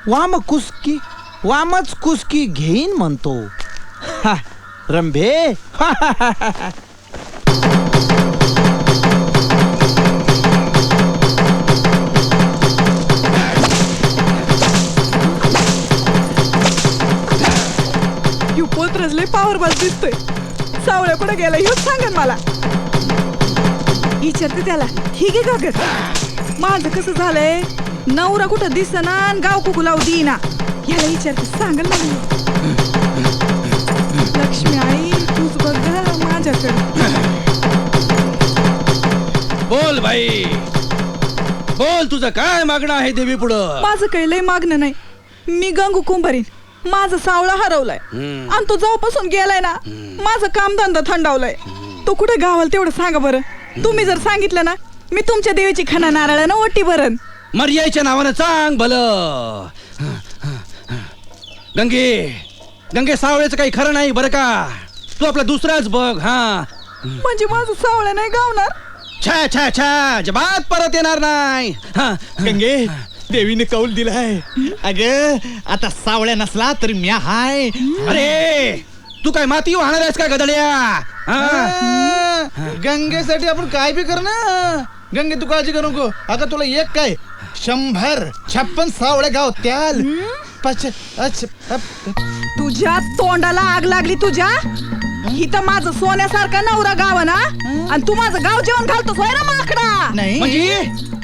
वाम कुस्की वामच कुस्की घेईन म्हणतो. हा, रंभे. यू पोत्रच लय पॉवरफुल दिसतोय. सावळ्या कुठे गेला हेच सांगन मला. विचारते त्याला. ही घे कागद. माझं कसं झालंय, नवरा कुठं दिसना आणि गाव कुकू लावू देईना. याला विचारते सांगल ना. लक्ष्मी आई तूच बघ ग माझ्याकडे. बोल भाई, बोल तुझं काय मागणं आहे देवी पुढं. माझं काही लय मागणं नाही. मी गंगू कुंभारीन. माझा सावळा हरवलाय आणि तो जेव्हापासून गेलाय ना माझं कामधंदा थंडावलाय. तो कुठे गावाला तेवढं सांगा बरं. तुम्ही जर सांगितलं ना मी तुमच्या देवीची खणा नारळानं ओटी भरण. मर्यादेच्या नावानं सांग भलं. गंगे सावळ्याचं काही खरं नाही बरं का. तू आपला दुसराच बघ. हा म्हणजे माझं सावळ्या नाही गावणार. छा छा छा जबात परत येणार नाही. गंगे देवीने कौल दिलाय. अग आता सावळ्या नसला तरी म्या हाय. अरे तू काय माती वाहणार आहेस का गदड्या. गंगेसाठी आपण काय बी कर ना. गंगे तू काळजी करू नको. अगं तुला एक काय 156 सावळ्या गाव त्याल. तुझ्या तोंडाला आग लागली तुझ्या. इथं माझं सोन्यासारखा नवरा गाव ना आणि तू माझं गाव जेवण घालतोस होय ना माकडा. नाही म्हणजे